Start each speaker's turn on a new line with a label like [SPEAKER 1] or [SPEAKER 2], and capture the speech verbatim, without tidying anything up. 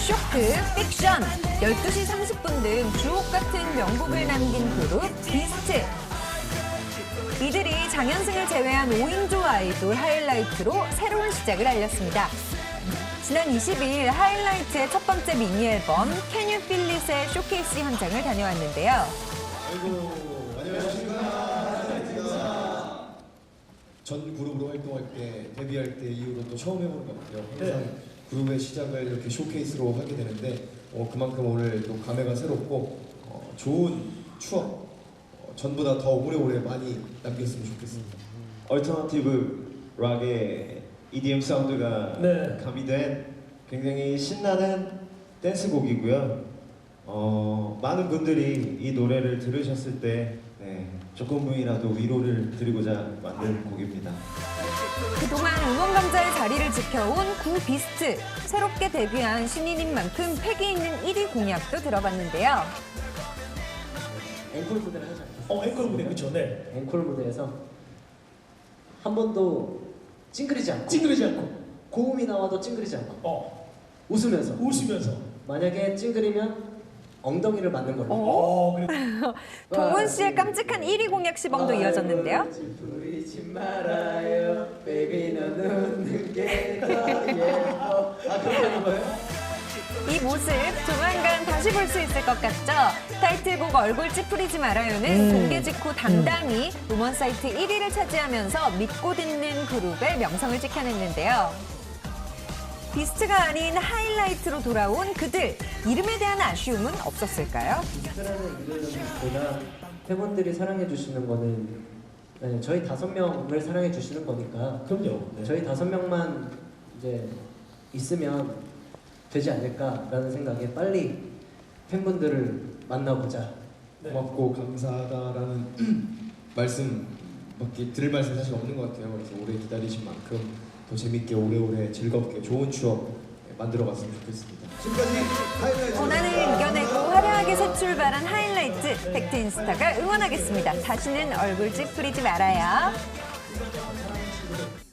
[SPEAKER 1] 쇼크, 픽션, 열두 시 삼십 분 등 주옥 같은 명곡을 남긴 그룹 비스트. 이들이 장현승을 제외한 오 인조 아이돌 하이라이트로 새로운 시작을 알렸습니다. 지난 이십 일 하이라이트의 첫 번째 미니 앨범 Can You Feel It의 쇼케이스 현장을 다녀왔는데요.
[SPEAKER 2] 아이고, 안녕하십니까. 전 그룹으로 활동할 때, 데뷔할 때 이후로 또 처음 해보는 것 같아요. 항상 네. 그룹의 시작을 이렇게 쇼케이스로 하게 되는데 어, 그만큼 오늘 또 감회가 새롭고 어, 좋은 추억 어, 전보다 더 오래오래 많이 남겼으면 좋겠습니다.
[SPEAKER 3] 얼터너티브 락의 이디엠 사운드가
[SPEAKER 4] 네.
[SPEAKER 3] 가미된 굉장히 신나는 댄스곡이고요. 어, 많은 분들이 이 노래를 들으셨을 때 네, 조금이라도 위로를 드리고자 만든 곡입니다.
[SPEAKER 1] 그동안 응원 강자의 자리를 지켜온 구 비스트. 새롭게 데뷔한 신인인 만큼 패기 있는 일 위 공약도 들어봤는데요.
[SPEAKER 5] 앵콜 무대를 하지 않겠어요?
[SPEAKER 4] 어, 앵콜 무대, 그쵸, 네.
[SPEAKER 5] 앵콜 무대에서 한 번도 찡그리지 않고
[SPEAKER 4] 찡그리지 않고
[SPEAKER 5] 고음이 나와도 찡그리지 않고
[SPEAKER 4] 어,
[SPEAKER 5] 웃으면서
[SPEAKER 4] 웃으면서
[SPEAKER 5] 만약에 찡그리면 엉덩이를 맞는 걸로.
[SPEAKER 4] 어, 그래.
[SPEAKER 1] 동훈 씨의 깜찍한 일 위 공약 시범도 이어졌는데요.
[SPEAKER 5] 부리지 말아요, baby 넌 웃는 게 더 예뻐. 아, 그렇게 하는 거예요?
[SPEAKER 1] 이 모습 조만간 다시 볼 수 있을 것 같죠? 타이틀곡 얼굴 찌푸리지 말아요는 공개 직후 당당히 음원 사이트 일 위를 차지하면서 믿고 듣는 그룹의 명성을 지켜냈는데요. 비스트가 아닌 하이라이트로 돌아온 그들. 이름에 대한 아쉬움은 없었을까요?
[SPEAKER 5] 비스트라는 이름보다 팬분들이 사랑해 주시는 거는 네, 저희 다섯 명을 사랑해 주시는 거니까
[SPEAKER 4] 그럼요. 네.
[SPEAKER 5] 저희 다섯 명만 이제 있으면 되지 않을까라는 생각에 빨리 팬분들을 만나보자.
[SPEAKER 4] 네.
[SPEAKER 2] 고맙고 감사하다라는 말씀밖에 들을 말씀 사실 없는 것 같아요. 그래서 오래 기다리신 만큼 더 재밌게 오래오래 즐겁게 좋은 추억 만들어갔으면 좋겠습니다. 지금까지 하이라이트.
[SPEAKER 1] 고난을 이겨내고 화려하게 새 출발한 하이라이트. 팩트인스타가 응원하겠습니다. 다시는 얼굴 찌푸리지 말아요.